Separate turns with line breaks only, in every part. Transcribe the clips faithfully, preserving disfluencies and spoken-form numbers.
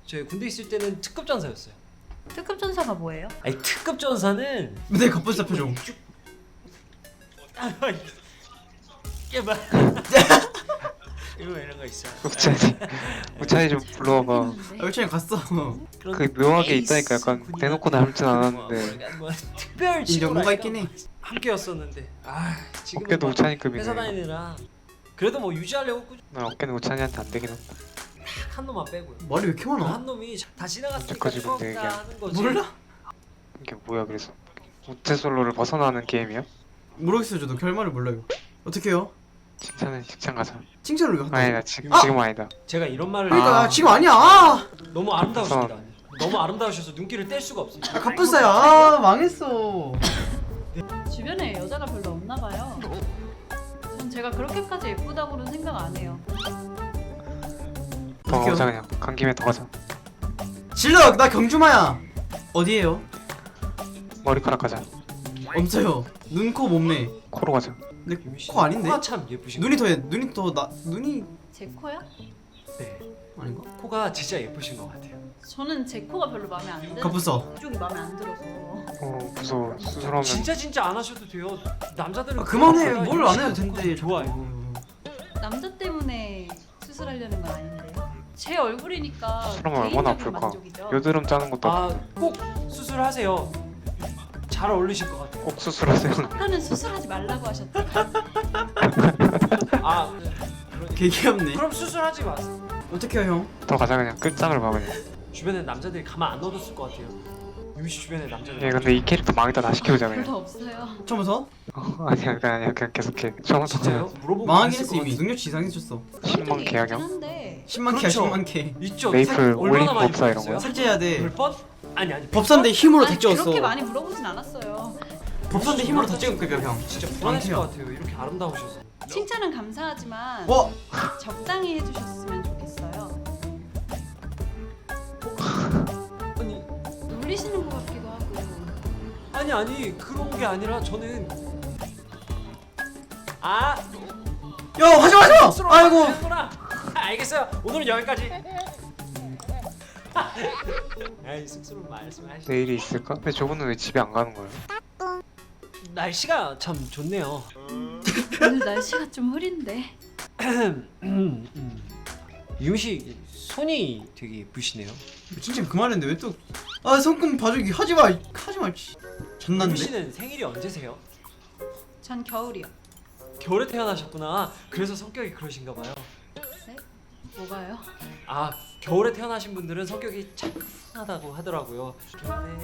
저희 군대 있을 때는 특급 전사였어요.
특급 전사가 뭐예요?
아니 특급 전사는
네 갑분싸 표정.
이게 뭐 이거 이런 거 있어.
우찬이 우찬이 좀 불러와봐.
아 일찬이 갔어.
그런
그 묘하게
에이스
있다니까 약간
군인한테
대놓고 닮진
뭐,
않았는데
뭐, 뭐 특별
인정 뭔가 있긴 해.
함께였었는데 아 지금은
어깨도
막
우찬이급이네.
회사 다니느라 그래도 뭐 유지하려고 꾸준히
나 어깨는 우찬이한테 안 되긴 한다.
한 놈만 빼고요.
머리 왜 이렇게
그
많아?
한 놈이 다 지나갔으니까
언제까지 군대
추억이다
얘기야?
하는 거지.
몰라?
이게 뭐야 그래서 우체 솔로를 벗어나는 게임이야?
모르겠어요 저도 결말을 몰라요. 어떻게 해요?
칭찬은 직장 가자.
칭찬을 왜 한다고?
아니다 지금
아!
지금 아니다.
제가 이런 말을
그러니까
아.
지금 아니야. 아,
너무 아름다우십니다. 너무 아름다우셔서 눈길을 뗄 수가 없어요.
아 갑분싸야. 아 망했어.
주변에 여자가 별로 없나 봐요. 전 제가 그렇게까지 예쁘다고는 생각 안 해요.
더
어떡해요?
가자 그냥 간 김에 더 가자.
질러 나 경주마야. 어디에요?
머리카락 가자.
없어요. 눈, 코, 몸매.
코로 가자.
근데 코 아닌데?
코가 참 예쁘신
눈이
것
더 눈이 더 나 눈이
제 코야?
같아요. 네.
아닌가?
코가 진짜 예쁘신 것 같아요.
저는 제 코가 별로 마음에 안 들어서
갑분싸.
이쪽이 마음에 안 들어서.
어 무서워. 수술하면
진짜 진짜 안 하셔도 돼요. 남자들은
아 그만해.
코가
뭘 안 해도
예쁘신
된대.
거 좋아요.
남자 때문에 수술하려는 건 아닌데요. 제 얼굴이니까
수술하면 얼마나
개인적인
아플까?
만족이죠.
여드름 짜는 것도
아
아픈데
꼭 수술하세요. 잘 어울리실 것 같아요.
꼭 수술하세요.
아까는 수술하지 말라고 하셨죠.
아 그러,
개 귀엽네.
그럼 수술하지 마세요.
어떻게 해요 형?
더 가자 그냥 끝장을 봐 그냥.
주변에 남자들이 가만 안 둬뒀을 것 같아요. 유미씨 주변에 남자들.
얘 근데 이 캐릭터 망했다 다 시켜보자 그냥.
별로 없어요.
처음부터?
어, 아니야 그냥 아니야 그냥 계속해. 처음부터
진짜요? 물어보고
망하긴
있을
했어
것
이미.
같아요.
능력치 이상해졌어.
십만
있긴
계약형.
한데
십만
그렇죠.
개야 십만 개.
있죠.
메이플
살- 얼마나
올림
많이
법사 이런
물어봤어요?
거야?
삭제해야 돼.
열 번? 아니 아니.
법사인데 힘으로 다
아니,
찍었어.
그렇게 많이 물어보진 않았어요.
법사인데 힘으로 다 찍은 거야 형.
진짜 불안하실 것 같아요. 이렇게 아름다우셔서.
칭찬은 감사하지만
어?
적당히 해주셨으면 좋겠어요.
아니
놀리시는 것 같기도 하고.
아니 아니 그런 게 아니라 저는 아
야 하지 마 하지 마. 아이고.
아이고. 알겠어요. 오늘은 여기까지. 아이 쑥스러운 말씀하시.
내일이 있을까? 근데 저분은 왜 집에 안 가는 거야?
날씨가 참 좋네요.
오늘 날씨가 좀 흐린데.
유미 씨 손이 되게 예쁘시네요.
진짜 그만했는데 왜 또? 아 손금 봐주기 하지 마 하지 마. 씨.
유미
전난데.
씨는 생일이 언제세요?
전 겨울이요.
겨울에 태어나셨구나. 그래서 성격이 그러신가 봐요.
네? 뭐가요?
아 겨울에 태어나신 분들은 성격이 착하다고 하더라고요. 겨울에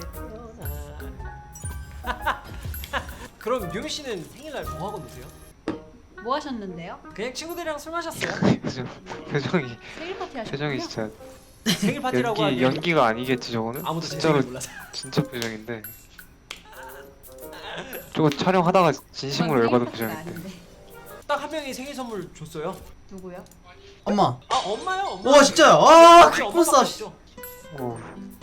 태어나. 그럼 유미 씨는 생일날 뭐 하고 노세요?
뭐 하셨는데요?
그냥 친구들이랑 술 마셨어요.
표정 표정이
생일 파티 하셨군요.
표정이 진짜
생일 파티라고
연기
하기엔
연기가 아니겠지 저거는?
아무도 제
진짜로
생일 몰라서.
진짜 표정인데. 저거 촬영하다가 진심으로
전
열받은
생일 파티가
표정인데.
아닌데.
딱 한 명이 생일 선물 줬어요.
누구요?
엄마.
아 엄마요 엄마.
와 진짜. 아
혹시 엄마
갑분싸.
바꾸시죠?
오.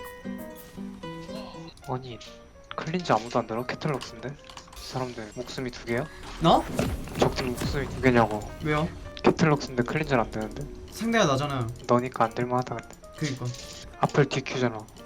아니 클린즈 아무도 안 들어? 캐틀럭스인데? 이 사람들 목숨이 두 개야?
나?
적들 목숨이 두 개냐고.
왜요?
캐틀럭스인데 클린즈는 안 되는데?
상대가 나잖아요.
너니까 안 될만하다 근데.
그니까.
앞을 디큐잖아.